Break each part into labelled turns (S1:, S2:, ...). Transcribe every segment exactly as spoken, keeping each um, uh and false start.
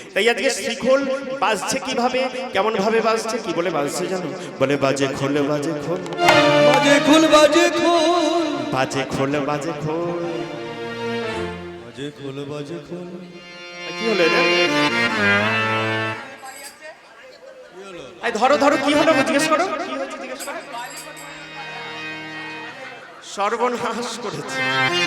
S1: তাই আজকে শিখল বাজছে কিভাবে, কেমন ভাবে বাজছে, কি বলে বাজছে জানো? বলে বাজে খোল বাজে খোল
S2: বাজে খোল বাজে খোল
S1: বাজে খোল বাজে খোল
S2: বাজে খোল বাজে খোল।
S1: কি হলো এটা? এই ধরো ধরো কি হলো জিজ্ঞেস করো, কি হয়েছে জিজ্ঞেস করো। সর্বনাশ করেছে।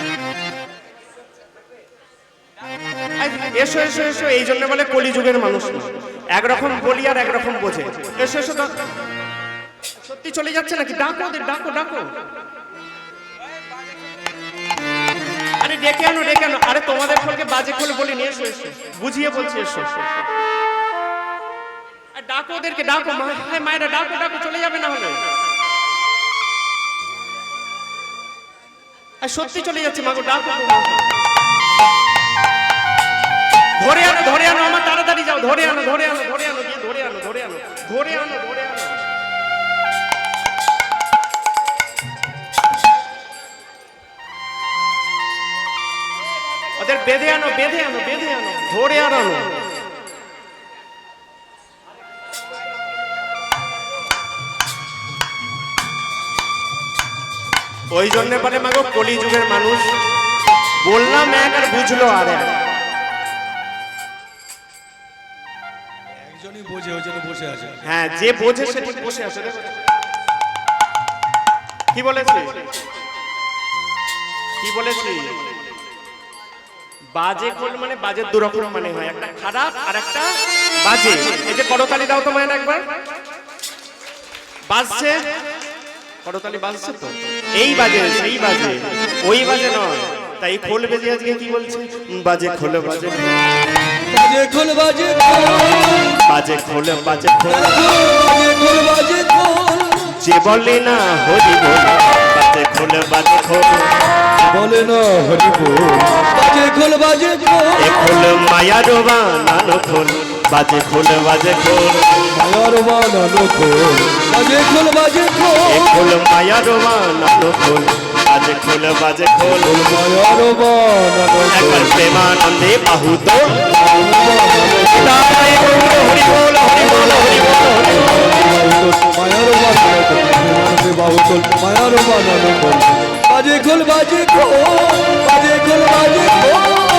S1: এসো এসো এসো, এই জন্য বলে কলিযুগের মানুষ একরকম বলি আর একরকম বোঝে। এসো এসো, সত্যি চলে যাচ্ছে নাকি? ডাকো ওদের, ডাকো ডাকো। আরে ডেকে আনো ডেকে আনো। আরে তোমাদের ফলকে বাজে খোলে বলি নিয়ে এসো এসো, বুঝিয়ে বলছি এসো। ডাকো ওদেরকে, ডাকো মায়েরা, ডাকো ডাকো, চলে যাবে না হলে। সত্যি চলে যাচ্ছে মাগো, ডাকো। ধরে আনো ধরে আনো, আমার তাড়াতাড়ি যাও, ধরে আনো ধরে আনো ধরে আনো গিয়ে ধরে আনো ধরে আনো ধরে আনো ধরে আনো। ওদের বেঁধে আনো বেঁধে আনো বেঁধে আনো, ধরে আর আনো। ওই জন্য বলে মাগো কলিযুগের মানুষ, বললাম এক আর বুঝলো আর এক।
S2: একজনই বোঝে, ওই জন্য বসে আছে।
S1: হ্যাঁ, যে বোঝে সে ঠিক বসে আছে। কি বলেছি কি বলেছি? বাজে খোল মানে বাজের দু রকম মানে হয়, একটা খারাপ আর একটা বাজে। এই যে করতালি দাও তো মায়ের একবার, বাজছে করতালি বাজছে তো, এই বাজে সেই বাজে, ওই বাজে নয়। তাই খোল বেজে আজকে কি বলছে? বাজে খোল বাজে
S2: বাজে খোল বাজে খোল
S1: বাজে খোল বাজে খোল
S2: বাজে খোল বাজে খোল।
S1: যে বলে না হরি বল, বাজে খোল বাজে খোল
S2: বলে না হরি বল, বাজে খোল বাজে খোল।
S1: এ খোল মায়ার বানানো খোল, বাজে খোল বাজে খোল
S2: মায়ার বানানো খোল, বাজে খোল বাজে খোল।
S1: এ খোল মায়ার বানানো খোল, বাজে খোল বাজে খোল
S2: মায়ার বানানো খোল।
S1: একবার প্রেমানন্দে বাহু তো তাই বলল হরি বল হরি বল হরি বল হরি বল।
S2: মায়ার বানানো খোল, বাহু তোল মায়ার বানানো খোল, বাজে খোল বাজে খোল বাজে খোল বাজে খোল।